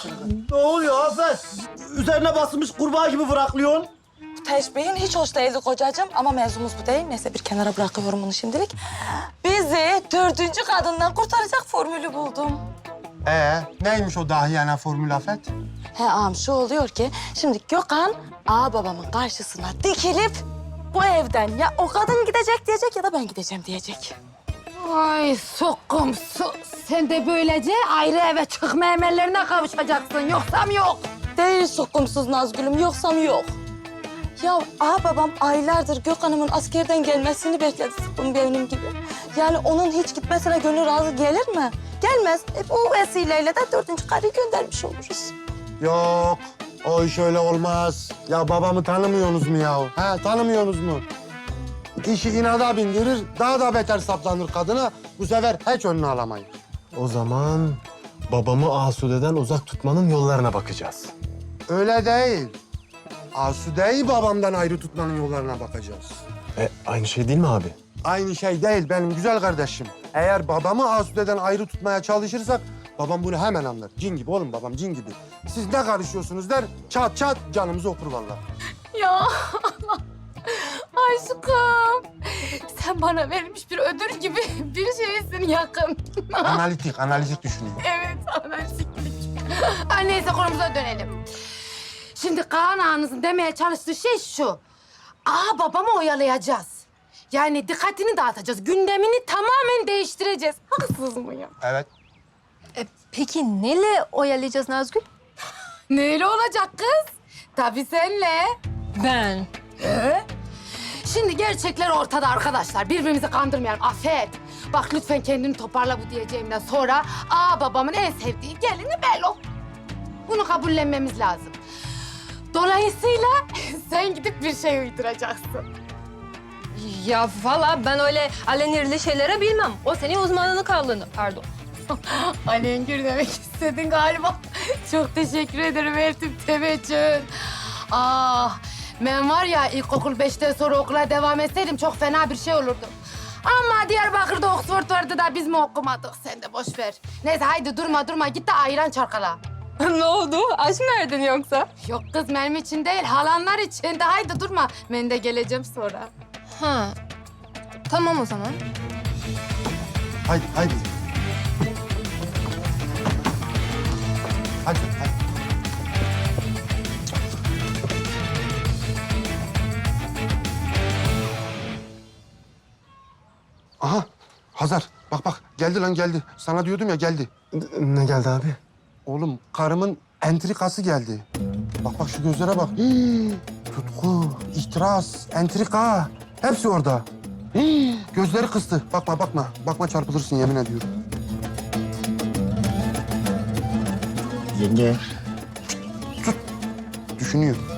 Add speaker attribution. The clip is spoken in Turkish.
Speaker 1: Ne oluyor Afet? Üzerine basılmış kurbağa gibi bıraklıyorsun.
Speaker 2: Teşbihin hiç hoş değildi kocacığım ama mevzumuz bu değil. Neyse bir kenara bırakıyorum bunu şimdilik. Bizi dördüncü kadından kurtaracak formülü buldum.
Speaker 3: Neymiş o dahiyane formül Afet?
Speaker 2: He ağam şu oluyor ki şimdi Gökhan ağa babamın karşısına dikilip bu evden ya o kadın gidecek diyecek ya da ben gideceğim diyecek.
Speaker 4: Ay sokumsu. Sen de böylece ayrı eve çıkma emellerine kavuşacaksın. Yoksam yok.
Speaker 2: Değil sokumsuz Nazgül'üm yoksam yok. Ya ağa babam aylardır Gökhan'ımın askerden gelmesini bekledi sıkkın benim gibi. Yani onun hiç gitmesine gönül razı gelir mi? Gelmez. Bu vesileyle de dördüncü karıyı göndermiş oluruz.
Speaker 3: Yok, o iş öyle olmaz. Ya babamı tanımıyorsunuz mu ya? He, tanımıyorsunuz mu? İşi inada bindirir, daha da beter saplanır kadına. Bu sefer hiç önünü alamayız.
Speaker 5: O zaman babamı Asude'den uzak tutmanın yollarına bakacağız.
Speaker 3: Öyle değil. Asude'yi babamdan ayrı tutmanın yollarına bakacağız.
Speaker 5: Aynı şey değil mi abi?
Speaker 3: Aynı şey değil benim güzel kardeşim. Eğer babamı Asude'den ayrı tutmaya çalışırsak babam bunu hemen anlar. Cin gibi oğlum babam, cin gibi. Siz ne karışıyorsunuz der, çat çat canımızı okur vallahi.
Speaker 4: Ya aşkım. Sen bana verilmiş bir ödül gibi bir şeysin yakın.
Speaker 3: Analitik düşünüyor.
Speaker 4: Evet, analitiklik. Ay neyse konumuza dönelim. Şimdi Kaan ağanızın demeye çalıştığı şey şu. Aa babamı oyalayacağız. Yani dikkatini dağıtacağız. Gündemini tamamen değiştireceğiz. Haksız mıyım?
Speaker 3: Evet.
Speaker 6: Peki neyle oyalayacağız Nazgül?
Speaker 4: Neyle olacak kız? Tabii senle.
Speaker 6: Ben.
Speaker 4: Şimdi gerçekler ortada arkadaşlar. Birbirimizi kandırmayalım. Afet. Bak lütfen kendini toparla bu diyeceğimden sonra babamın en sevdiği gelini Belo. Bunu kabullenmemiz lazım. Dolayısıyla sen gidip bir şey uyduracaksın.
Speaker 6: Ya valla ben öyle alenirli şeylere bilmem. O senin uzmanlık alanı. Pardon.
Speaker 4: Alengir demek istedin galiba. Çok teşekkür ederim Eltim Teveccühün. Ben var ya ilkokul 5'ten sonra okula devam etseydim çok fena bir şey olurdu. Ama Diyarbakır'da Oxford vardı da biz mi okumadık? Sen de boş ver. Neyse haydi durma git de ayran çarkala.
Speaker 6: Ne oldu? Aşk mı erdin yoksa?
Speaker 4: Yok kız benim için değil halanlar için de haydi durma. Ben de geleceğim sonra.
Speaker 6: Ha. Tamam o zaman.
Speaker 3: Haydi. Hadi. Aha, Hazar. Bak geldi lan geldi. Sana diyordum ya geldi.
Speaker 5: Ne geldi abi?
Speaker 3: Oğlum karımın entrikası geldi. Bak şu gözlere bak. Tutku, ihtiras, entrika. Hepsi orada. Gözleri kıstı. Bakma. Bakma çarpılırsın yemin ediyorum.
Speaker 1: Yenge.
Speaker 3: Düşünüyor.